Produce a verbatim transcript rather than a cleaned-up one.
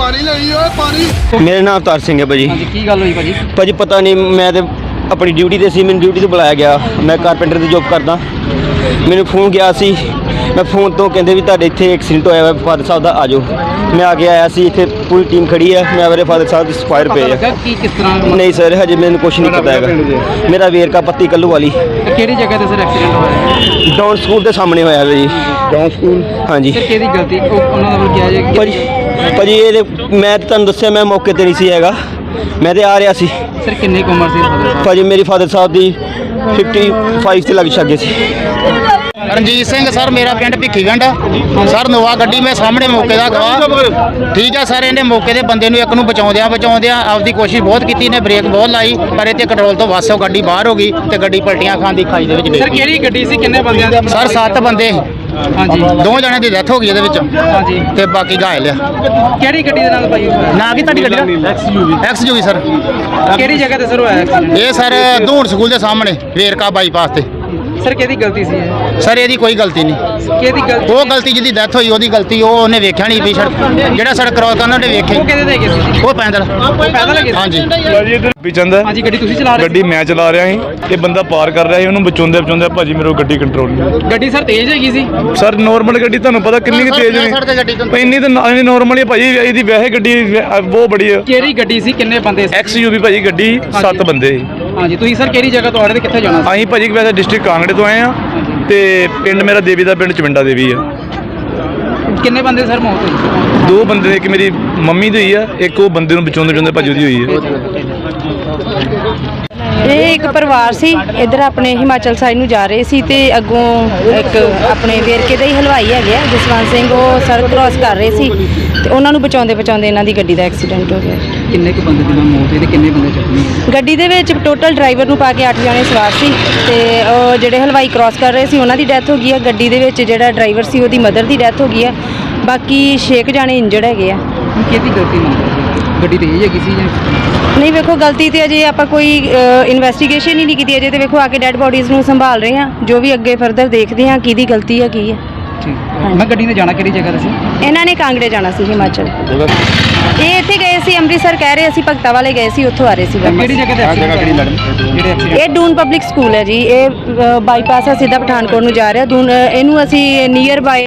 ਪਾਣੀ ਲਈ ਓਏ ਪਾਣੀ। ਮੇਰਾ ਨਾਮ ਅਵਤਾਰ ਸਿੰਘ ਹੈ ਭਾਜੀ। ਹਾਂਜੀ ਕੀ ਗੱਲ ਹੋਈ ਭਾਜੀ? ਭਾਜੀ ਪਤਾ ਨਹੀਂ, ਮੈਂ ਤੇ ਆਪਣੀ ਡਿਊਟੀ ਤੇ ਸੀ, ਮੈਨੂੰ ਡਿਊਟੀ ਤੋਂ ਬੁਲਾਇਆ ਗਿਆ। ਮੈਂ ਕਾਰਪੈਂਟਰ ਦੀ ਜੋਬ ਕਰਦਾ। ਮੈਨੂੰ ਫੋਨ ਗਿਆ ਸੀ, ਮੈਂ ਫੋਨ ਤੋਂ ਕਹਿੰਦੇ ਵੀ ਤੁਹਾਡੇ ਇੱਥੇ ਐਕਸੀਡੈਂਟ ਹੋਇਆ ਵਾ ਫਾਦਰ ਸਾਹਿਬ ਦਾ, ਆ ਜਾਓ। ਮੈਂ ਆ ਕੇ ਆਇਆ ਸੀ, ਇੱਥੇ ਪੂਰੀ ਟੀਮ ਖੜੀ ਹੈ। ਮੈਂ ਮੇਰੇ ਫਾਦਰ ਸਾਹਿਬ ਦੀ ਸਫਾਇਰ ਪਏ ਆ। ਕੀ ਕਿਸ ਤਰ੍ਹਾਂ? ਨਹੀਂ ਸਰ, ਹਜੇ ਮੈਨੂੰ ਕੁਝ ਨਹੀਂ ਪਤਾ ਹੈਗਾ। ਮੇਰਾ ਵੇਰਕਾ ਪੱਤੀ ਕੱਲੂ ਵਾਲੀ। ਕਿਹੜੀ ਜਗ੍ਹਾ ਤੇ ਸਰ ਐਕਸੀਡੈਂਟ ਹੋਇਆ? ਡਾਊਨ ਸਕੂਲ ਦੇ ਸਾਹਮਣੇ ਹੋਇਆ ਜੀ। Down school? ਹਾਂਜੀ ਸਰ ਕਿਹਦੀ ਗਲਤੀ? ਉਹ ਉਹਨਾਂ ਦਾ ਵੱਲ ਕਿਹਾ ਜੇ ਭਾਜੀ ਭਾਜੀ ਇਹ ਮੈਂ ਤਾਂ ਤੁਹਾਨੂੰ ਦੱਸਿਆ, ਮੈਂ ਮੌਕੇ ਤੇ ਨਹੀਂ ਸੀ ਹੈਗਾ, ਮੈਂ ਤੇ ਆ ਰਿਹਾ ਸੀ। ਸਰ ਕਿੰਨੀ ਕੁ ਉਮਰ ਸੀ? ਭਾਜੀ ਮੇਰੀ ਫਾਦਰ ਸਾਹਿਬ ਦੀ ਪਚਪਨ ਤੇ ਲੱਗ ਛੱਗੇ ਸੀ। ਰਣਜੀਤ ਸਿੰਘ ਸਰ, ਮੇਰਾ ਪਿੰਡ ਭਿੱਖੀਵਿੰਡ ਸਰ। ਨੋਵਾ ਗੱਡੀ ਮੈਂ ਸਾਹਮਣੇ ਮੌਕੇ ਦਾ ਗਵਾਹ। ਠੀਕ ਆ ਸਰ, ਇਹਨੇ ਮੌਕੇ ਦੇ ਬੰਦੇ ਨੂੰ ਇੱਕ ਨੂੰ ਬਚਾਉਂਦਿਆਂ ਬਚਾਉਂਦਿਆਂ ਆਪਦੀ ਕੋਸ਼ਿਸ਼ ਬਹੁਤ ਕੀਤੀ, ਇਹਨੇ ਬ੍ਰੇਕ ਬਹੁਤ ਲਾਈ, ਪਰ ਇਹ ਤੇ ਕੰਟਰੋਲ ਤੋਂ ਵੱਸੋਂ ਗੱਡੀ ਬਾਹਰ ਹੋ ਗਈ ਤੇ ਗੱਡੀ ਪਲਟੀਆਂ ਖਾਂਦੀ ਖਾਈ ਦੇ ਵਿੱਚ ਡਿੱਗ ਸਰ ਗਈ। ਕਿਹੜੀ ਗੱਡੀ ਸੀ? ਕਿੰਨੇ ਬੰਦਿਆਂ ਦੀ? ਸਰ ਸੱਤ ਬੰਦੇ, ਹਾਂਜੀ ਦੋ ਜਣੇ ਦੀ ਡੈਥ ਹੋ ਗਈ ਇਹਦੇ ਵਿੱਚ ਹਾਂਜੀ। ਤੇ ਬਾਕੀ ਘਾਇਲ ਆ। ਕਿਹੜੀ ਗੱਡੀ ਦੇ ਨਾਲ ਭਾਈ ਹੋਇਆ? ਨਾ ਕੀ ਤੁਹਾਡੀ ਗੱਡੀ ਦਾ? X U V sir. ਕਿਹੜੀ ਜਗ੍ਹਾ ਤੇ ਸਰ ਹੋਇਆ ਐਕਸੀਡੈਂਟ? ਇਹ ਸਰ ਧੂਣ ਸਕੂਲ ਦੇ ਸਾਹਮਣੇ ਵੇਰਕਾ ਬਾਈਪਾਸ ਤੇ। ਸਰ ਕਿਹਦੀ ਗਲਤੀ ਸੀ ਇਹ? ਸਰ ਇਹਦੀ ਕੋਈ ਗਲਤੀ ਨਹੀਂ। ਕਿਹਦੀ ਗਲਤੀ? ਉਹ ਗਲਤੀ ਜਿਹਦੀ ਡੈਥ ਹੋਈ ਉਹਦੀ ਗਲਤੀ, ਉਹ ਉਹਨੇ ਵੇਖਿਆ ਨਹੀਂ ਵੀ ਸੜਕ ਜਿਹੜਾ ਸੜਕ ਕ੍ਰੋਸ ਕਰਨਾ ਉਹਨੇ ਵੇਖਿਆ ਉਹ ਕਿਹਦੇ ਤੇ ਗਏ ਸੀ? ਉਹ ਪੈਦਲ ਪੈਦਲ ਲੱਗੇ ਸੀ? ਹਾਂਜੀ। ਵੀ ਚੰਦਾ ਹਾਂਜੀ ਗੱਡੀ ਤੁਸੀਂ ਚਲਾ ਰਹੇ ਗੱਡੀ ਮੈਂ ਚਲਾ ਰਿਹਾ ਸੀ, ਇਹ ਬੰਦਾ ਪਾਰ ਕਰ ਰਿਹਾ ਸੀ, ਉਹਨੂੰ ਬਚਾਉਂਦੇ ਬਚਾਉਂਦੇ ਭਾਜੀ ਮੇਰੇ ਕੋਲ ਗੱਡੀ ਕੰਟਰੋਲ ਨਹੀਂ। ਸੀ? ਗੱਡੀ ਸਰ ਤੇਜ਼ ਹੈਗੀ ਸੀ? ਸਰ ਨੋਰਮਲ ਗੱਡੀ ਤੁਹਾਨੂੰ ਪਤਾ ਕਿੰਨੀ ਕੁ ਤੇਜ਼ ਸੜਕ ਤੇ ਗੱਡੀ ਤੋਂ ਨਹੀਂ, ਇੰਨੀ ਤਾਂ ਨਾ- ਨੋਰਮਲ ਹੀ ਭਾਜੀ। ਇਹਦੀ ਵੈਸੇ ਗੱਡੀ ਵੈ- ਬਹੁਤ ਬੜੀ ਹੈ। ਕਿਹੜੀ ਗੱਡੀ ਸੀ? ਕਿੰਨੇ ਬੰਦੇ ਸੀ? ਐਕਸ ਯੂ ਵੀ ਭਾਜੀ ਗੱਡੀ, ਸੱਤ ਬੰਦੇ ਸੀ। ਹਾਂਜੀ ਤੁਸੀਂ ਸਰ ਕਿਹੜੀ ਜਗ੍ਹਾ ਤੋਂ ਆ ਰਹੇ ਤੇ ਕਿੱਥੇ ਜਾਣਾ ਸੀ? ਅਸੀਂ ਭਾਜੀ ਵੈਸੇ ਡਿਸਟ੍ਰਿਕਟ ਕਾਂਗੜੇ ਤੋਂ ਆਏ ਆ ਤੇ ਪਿੰਡ ਮੇਰਾ ਦੇਵੀ ਦਾ ਪਿੰਡ ਚਵਿੰਡਾ ਦੇਵੀ ਆ। ਕਿੰਨੇ ਬੰਦੇ ਸਰ ਮੌਤ ਹੋਈ? ਦੋ ਬੰਦੇ, ਇੱਕ ਮੇਰੀ ਮੰਮੀ ਦੀ ਹੋਈ ਆ, ਇੱਕ ਉਹ ਬੰਦੇ ਨੂੰ ਬਚਾਉਂਦੇ ਬਚਾਉਂਦੇ ਭਾਜੀ ਉਹਦੀ ਹੋਈ ਆ। ਇਹ ਇੱਕ ਪਰਿਵਾਰ ਸੀ, ਇੱਧਰ ਆਪਣੇ ਹਿਮਾਚਲ ਸਾਈਡ ਨੂੰ ਜਾ ਰਹੇ ਸੀ ਤੇ ਅੱਗੋਂ ਇੱਕ ਆਪਣੇ ਵੇਰਕੇ ਦੇ ਹੀ ਹਲਵਾਈ ਹੈਗੇ ਆ ਜਸਵੰਤ ਸਿੰਘ, ਉਹ ਸੜਕ ਕ੍ਰਾਸ ਕਰ ਰਹੇ ਸੀ ਤੇ ਉਹਨਾਂ ਨੂੰ ਬਚਾਉਂਦੇ ਬਚਾਉਂਦੇ ਇਹਨਾਂ ਦੀ ਗੱਡੀ ਦਾ ਐਕਸੀਡੈਂਟ ਹੋ ਗਿਆ। ਕਿੰਨੇ ਕੁ ਬੰਦੇ ਦੀ ਮੌਤ ਹੋਈ ਤੇ ਕਿੰਨੇ ਬੰਦੇ ਜ਼ਖਮੀ? ਗੱਡੀ ਦੇ ਵਿੱਚ ਟੋਟਲ ਡਰਾਈਵਰ ਨੂੰ ਪਾ ਕੇ ਅੱਠ ਜਣੇ ਸਵਾਰ ਸੀ ਤੇ ਉਹ ਜਿਹੜੇ ਹਲਵਾਈ ਕ੍ਰਾਸ ਕਰ ਰਹੇ ਸੀ ਉਹਨਾਂ ਦੀ ਡੈਥ ਹੋ ਗਈ ਹੈ। ਗੱਡੀ ਦੇ ਵਿੱਚ ਜਿਹੜਾ ਡਰਾਈਵਰ ਸੀ ਉਹਦੀ ਮਦਰ ਦੀ ਡੈਥ ਹੋ ਗਈ ਹੈ। ਬਾਕੀ ਛੇ ਕੁ ਜਾਣੇ ਇੰਜਰਡ ਹੈਗੇ ਆ। ਕਿਹਦੀ ਗਲਤੀ ਮੰਨਦੇ? ਗੱਡੀ ਤੇਜ਼ ਹੈਗੀ ਸੀ ਜਾਂ? ਨਹੀਂ ਵੇਖੋ, ਗਲਤੀ ਤੇ ਅਜੇ ਆਪਾਂ ਕੋਈ ਇਨਵੈਸਟੀਗੇਸ਼ਨ ਹੀ ਨਹੀਂ ਕੀਤੀ ਅਜੇ, ਤੇ ਵੇਖੋ ਆ ਕੇ ਡੈੱਡ ਬੋਡੀਜ਼ ਨੂੰ ਸੰਭਾਲ ਰਹੇ ਹਾਂ, ਜੋ ਵੀ ਅੱਗੇ ਫਰਦਰ ਦੇਖਦੇ ਹਾਂ ਕਿਹਦੀ ਗਲਤੀ ਹੈ ਕੀ ਹੈ। ਮੈਂ ਗੱਡੀ ਨੇ ਜਾਣਾ ਕਿਹੜੀ ਜਗ੍ਹਾ ਤੇ ਸੀ? ਇਹਨਾਂ ਨੇ ਕਾਂਗੜੇ ਜਾਣਾ ਸੀ ਹਿਮਾਚਲ। ਇਹ ਇੱਥੇ ਗਏ ਸੀ ਅੰਮ੍ਰਿਤਸਰ, ਕਹਿ ਰਹੇ ਅਸੀਂ ਭਗਤਾ ਵਾਲੇ ਗਏ ਸੀ, ਉੱਥੋਂ ਆ ਰਹੇ ਸੀ ਵਾਪਸ। ਕਿਹੜੀ ਜਗ੍ਹਾ ਤੇ ਐਕਸੀਡੈਂਟ ਹੋਇਆ? ਜਿਹੜੇ ਐਕਸੀਡੈਂਟ ਇਹ ਡੂਨ ਪਬਲਿਕ ਸਕੂਲ ਹੈ ਜੀ, ਇਹ ਬਾਈਪਾਸ ਆ ਸਿੱਧਾ ਪਠਾਨਕੋਟ ਨੂੰ ਜਾ ਰਿਹਾ। ਦੂਨ ਇਹਨੂੰ ਅਸੀਂ ਨੀਅਰ ਬਾਏ